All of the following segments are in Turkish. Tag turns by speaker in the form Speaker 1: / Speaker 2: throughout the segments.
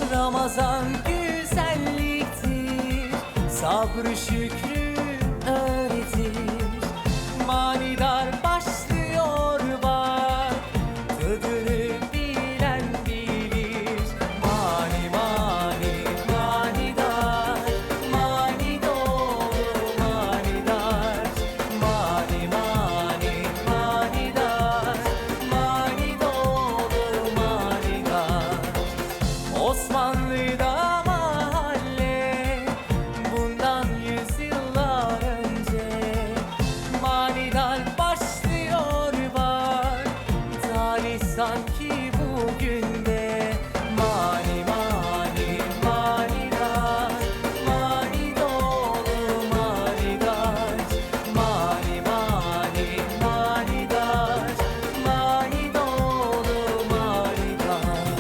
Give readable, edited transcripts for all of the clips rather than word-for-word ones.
Speaker 1: Ramazan güzelliktir, sabrı şükrü öğretir. Manidar başlıyor bak, tadını bilen bilir. Mani mani manidar, mani dolu manidar. Mani mani manidar, mani dolu manidar. Osmanlı'da mahalle, bundan yüzyıllar önce. Manidar başlıyor bak, tarih sanki bugün de. Mani mani manidar, mani dolu manidar. Mani mani manidar, mani dolu manidar.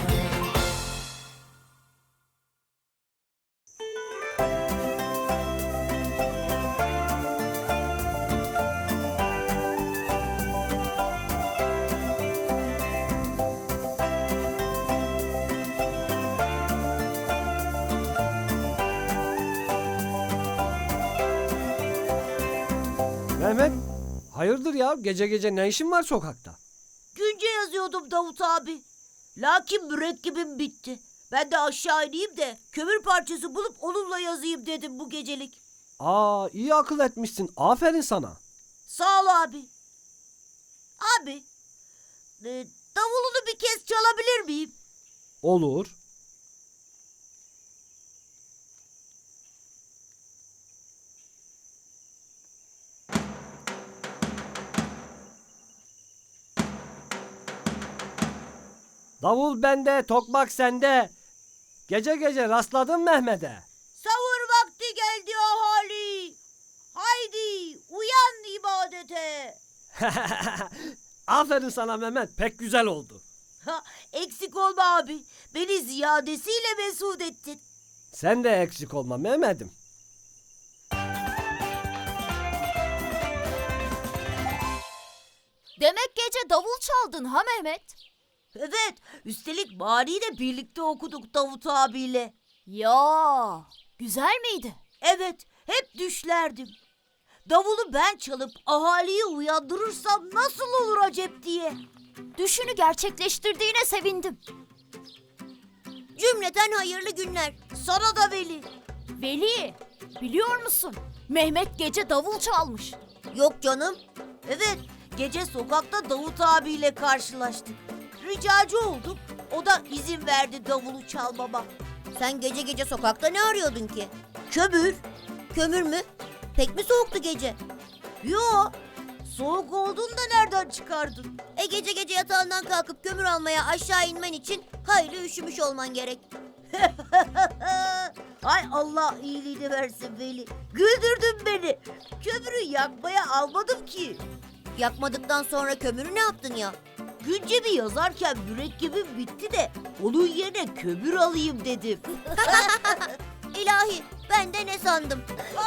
Speaker 2: Mehmet, hayırdır ya? Gece gece ne işin var sokakta?
Speaker 3: Günce yazıyordum Davut abi. Lakin mürekkebim bitti. Ben de aşağı ineyim de kömür parçası bulup onunla yazayım dedim bu gecelik.
Speaker 2: Aa, iyi akıl etmişsin. Aferin sana.
Speaker 3: Sağ ol abi. Abi, davulunu bir kez çalabilir miyim?
Speaker 2: Olur. Davul bende, tokmak sende. Gece gece rastladın Mehmet'e.
Speaker 3: Sahur vakti geldi ahali. Haydi uyan ibadete.
Speaker 2: Aferin sana Mehmet, pek güzel oldu.
Speaker 3: Ha, eksik olma abi. Beni ziyadesiyle mesut ettin.
Speaker 2: Sen de eksik olma Mehmet'im.
Speaker 4: Demek gece davul çaldın ha Mehmet?
Speaker 3: Evet, üstelik Mani'yi de birlikte okuduk Davut abiyle.
Speaker 4: Ya, güzel miydi?
Speaker 3: Evet, hep düşlerdim. Davulu ben çalıp ahaliyi uyandırırsam nasıl olur acep diye.
Speaker 4: Düşünü gerçekleştirdiğine sevindim.
Speaker 3: Cümleten hayırlı günler. Sana da Veli.
Speaker 4: Veli, biliyor musun? Mehmet gece davul çalmış.
Speaker 3: Yok canım. Evet, gece sokakta Davut abiyle karşılaştık. Ricacı olduk. O da izin verdi davulu çalmama.
Speaker 5: Sen gece gece sokakta ne arıyordun ki?
Speaker 3: Kömür.
Speaker 5: Kömür mü? Pek mi soğuktu gece?
Speaker 3: Yo, soğuk olduğunu da nereden çıkardın?
Speaker 5: Gece gece yatağından kalkıp kömür almaya aşağı inmen için hayli üşümüş olman gerek.
Speaker 3: Ay Allah iyiliğini versin Veli. Güldürdün beni. Kömürü yakmaya almadım ki.
Speaker 5: Yakmadıktan sonra kömürü ne yaptın ya?
Speaker 3: Güncemi yazarken mürekkebim bitti de onun yerine kömür alayım dedim.
Speaker 5: İlahi, ben de ne sandım?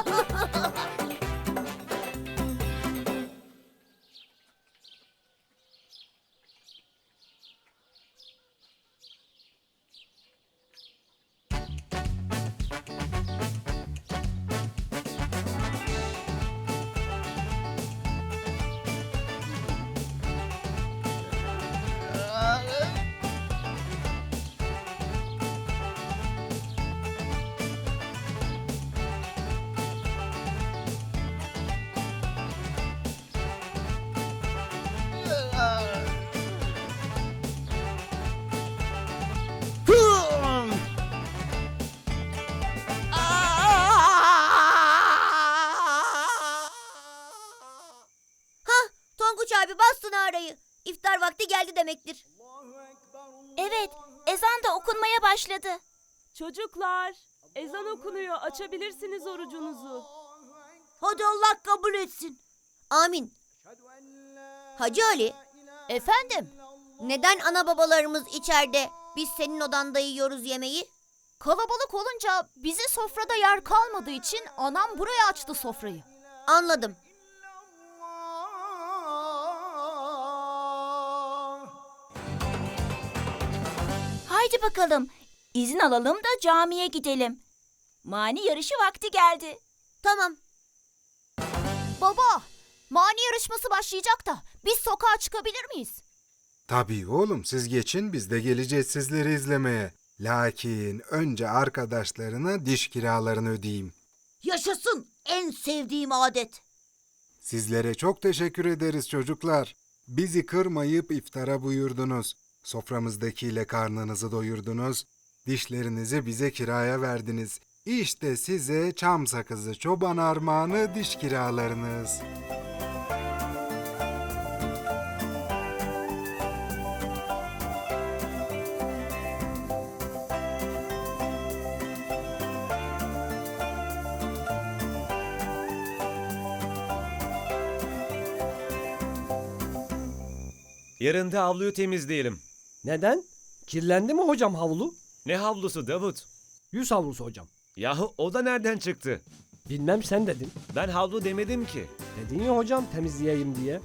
Speaker 5: Tonguç abi bastın arayı. İftar vakti geldi demektir.
Speaker 4: Evet, ezan da okunmaya başladı.
Speaker 6: Çocuklar, ezan okunuyor. Açabilirsiniz orucunuzu.
Speaker 3: Hadi Allah kabul etsin.
Speaker 5: Amin. Hacı Ali,
Speaker 4: Efendim,
Speaker 5: neden ana babalarımız içeride, biz senin odanda yiyoruz yemeği?
Speaker 4: kalabalık olunca bize sofrada yer kalmadığı için anam buraya açtı sofrayı.
Speaker 5: Anladım.
Speaker 4: Haydi bakalım,
Speaker 7: İzin alalım da camiye gidelim. Mani yarışı vakti geldi.
Speaker 5: Tamam.
Speaker 4: Baba, mani yarışması başlayacak da biz sokağa çıkabilir miyiz?
Speaker 8: Tabii oğlum, siz geçin, biz de geleceğiz sizleri izlemeye. Lakin önce arkadaşlarına diş kiralarını ödeyeyim.
Speaker 3: Yaşasın en sevdiğim adet.
Speaker 8: Sizlere çok teşekkür ederiz çocuklar. Bizi kırmayıp iftara buyurdunuz. Soframızdakiyle karnınızı doyurdunuz. Dişlerinizi bize kiraya verdiniz. İşte size çam sakızı çoban armağanı diş kiralarınız.
Speaker 9: Yarın da havluyu temizleyelim.
Speaker 2: Neden? Kirlendi mi hocam havlu?
Speaker 9: Ne havlusu Davut?
Speaker 2: Yüz havlusu hocam.
Speaker 9: Yahu o da nereden çıktı?
Speaker 2: Bilmem sen dedin.
Speaker 9: Ben havlu demedim ki.
Speaker 2: Dedin ya hocam temizleyeyim diye.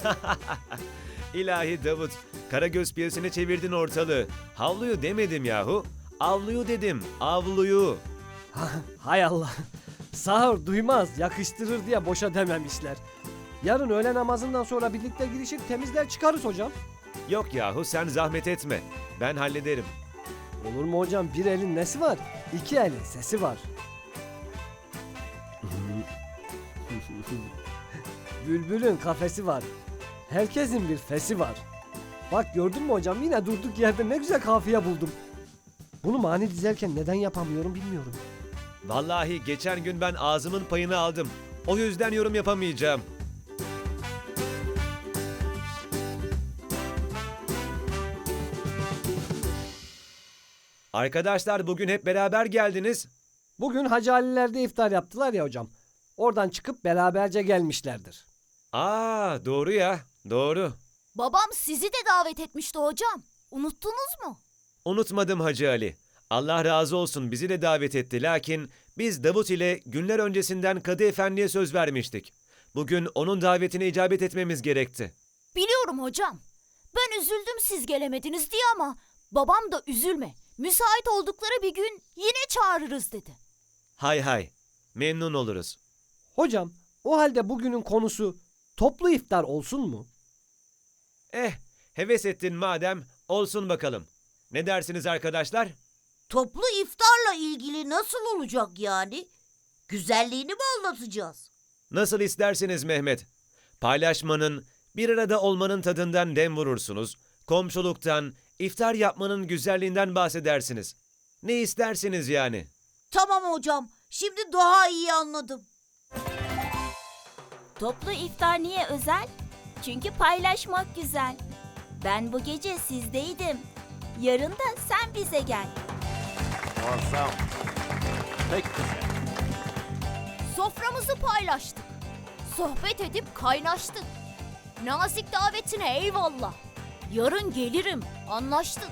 Speaker 9: İlahi Davut, Karagöz piyasını çevirdin ortalığı. Havluyu demedim yahu. Avluyu dedim, avluyu.
Speaker 2: Hay Allah. Sağır duymaz yakıştırır diye boşa dememişler. Yarın öğle namazından sonra birlikte girişir temizler çıkarız hocam.
Speaker 9: Yok yahu sen zahmet etme. Ben hallederim.
Speaker 2: Olur mu hocam, bir elin nesi var? İki elin sesi var. Bülbülün kafesi var. Herkesin bir fesi var. Bak gördün mü hocam, yine durduk yerde ne güzel kafiye buldum. Bunu mani dizerken neden yapamıyorum bilmiyorum.
Speaker 9: Vallahi geçen gün ben ağzımın payını aldım. O yüzden yorum yapamayacağım. Arkadaşlar bugün hep beraber geldiniz.
Speaker 2: Bugün Hacı Ali'lerde iftar yaptılar ya hocam. Oradan çıkıp beraberce gelmişlerdir.
Speaker 9: Aa doğru ya, doğru.
Speaker 4: Babam sizi de davet etmişti hocam. Unuttunuz mu?
Speaker 9: Unutmadım Hacı Ali. Allah razı olsun bizi de davet etti. Lakin biz Davut ile günler öncesinden Kadı Efendi'ye söz vermiştik. Bugün onun davetine icabet etmemiz gerekti.
Speaker 4: Biliyorum hocam. Ben üzüldüm siz gelemediniz diye ama babam da üzülme. Müsait oldukları bir gün yine çağırırız dedi.
Speaker 9: Hay hay, memnun oluruz.
Speaker 2: Hocam o halde bugünün konusu toplu iftar olsun mu?
Speaker 9: Heves ettin madem, olsun bakalım. Ne dersiniz arkadaşlar?
Speaker 3: Toplu iftarla ilgili nasıl olacak yani? Güzelliğini mi anlatacağız?
Speaker 9: Nasıl isterseniz Mehmet. Paylaşmanın, bir arada olmanın tadından dem vurursunuz. Komşuluktan, iftar yapmanın güzelliğinden bahsedersiniz. Ne isterseniz yani.
Speaker 3: Tamam hocam, şimdi daha iyi anladım.
Speaker 7: Toplu iftar niye özel? Çünkü paylaşmak güzel. Ben bu gece sizdeydim. Yarın da sen bize gel.
Speaker 4: Soframızı paylaştık. Sohbet edip kaynaştık. Nazik davetine eyvallah. Yarın gelirim. Anlaştık.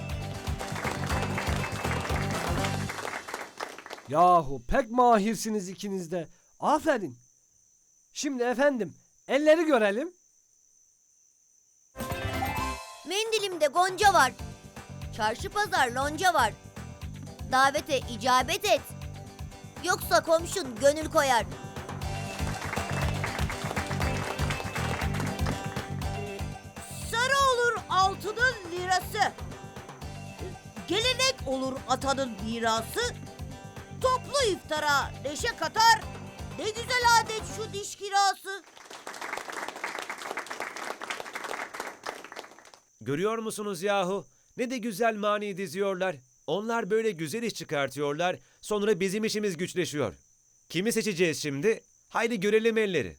Speaker 2: Yahu pek mahirsiniz ikiniz de. Aferin. Şimdi efendim elleri görelim.
Speaker 5: Mendilimde gonca var. Çarşı pazar lonca var. Davete icabet et. Yoksa komşun gönül koyar.
Speaker 3: Sarı olur altının lirası. Gelenek olur atanın mirası. Toplu iftara neşe katar. Ne güzel adet şu diş kirası.
Speaker 9: Görüyor musunuz yahu? Ne de güzel mani diziyorlar. Onlar böyle güzel iş çıkartıyorlar. Sonra bizim işimiz güçleşiyor. Kimi seçeceğiz şimdi? Haydi görelim elleri.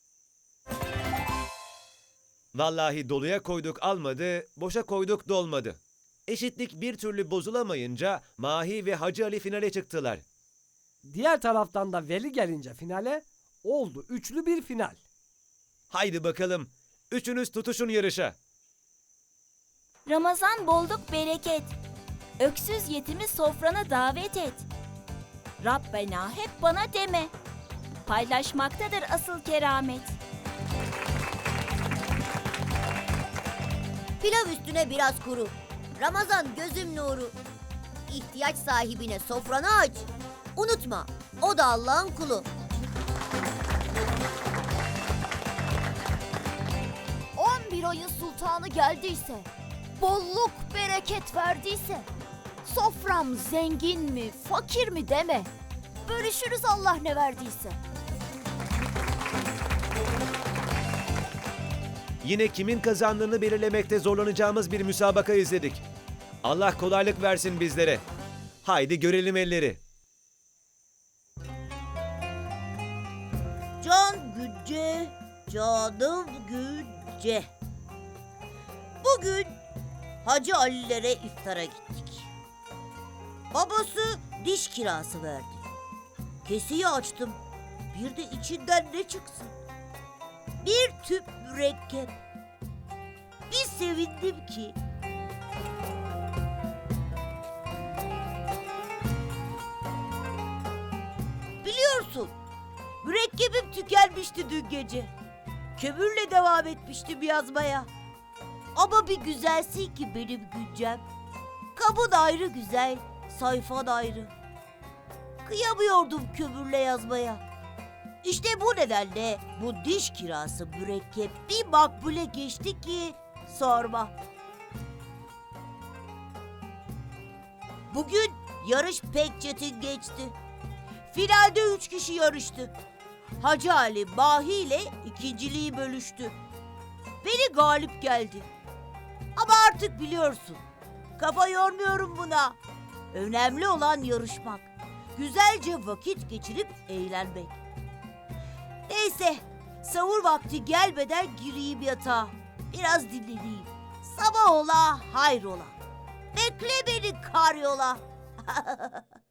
Speaker 9: Vallahi doluya koyduk almadı, boşa koyduk dolmadı. Eşitlik bir türlü bozulamayınca Mahi ve Hacı Ali finale çıktılar.
Speaker 2: Diğer taraftan da Veli gelince finale oldu üçlü bir final.
Speaker 9: Haydi bakalım, üçünüz tutuşun yarışa.
Speaker 7: Ramazan bolluk bereket. Öksüz yetimi sofrana davet et. Rabbena hep bana deme. Paylaşmaktadır asıl keramet.
Speaker 5: Pilav üstüne biraz kuru. Ramazan gözüm nuru. ihtiyaç sahibine sofranı aç. Unutma, o da Allah'ın kulu.
Speaker 4: 11 ayın sultanı geldiyse, bolluk bereket verdiyse, sofram zengin mi, fakir mi deme. Bölüşürüz Allah ne verdiyse.
Speaker 9: Yine kimin kazandığını belirlemekte zorlanacağımız bir müsabaka izledik. Allah kolaylık versin bizlere. Haydi görelim elleri.
Speaker 3: Can Gücce, canım Gücce. Bugün Hacı Ali'lere iftara gittik. Babası diş kirası verdi. Keseyi açtım. Bir de içinden ne çıksın? Bir tüp mürekkep. Bir sevindim ki. Biliyorsun, mürekkebim tükenmişti dün gece. Kömürle devam etmiştim yazmaya. Ama bir güzelsin ki benim Güncem. Kabın ayrı güzel, sayfan ayrı. Kıyamıyordum kömürle yazmaya. İşte bu nedenle bu diş kirası mürekkep bir makbule geçti ki sorma. Bugün yarış pek çetin geçti. Finalde 3 kişi yarıştı. Hacı Ali Mahi ile ikinciliği bölüştü. Beni galip geldi. Ama artık biliyorsun, kafa yormuyorum buna. Önemli olan yarışmak. Güzelce vakit geçirip eğlenmek. Neyse, sahur vakti gelmeden gireyim yatağa. Biraz dinleneyim. Sabah ola, hayrola. Bekle beni karyola.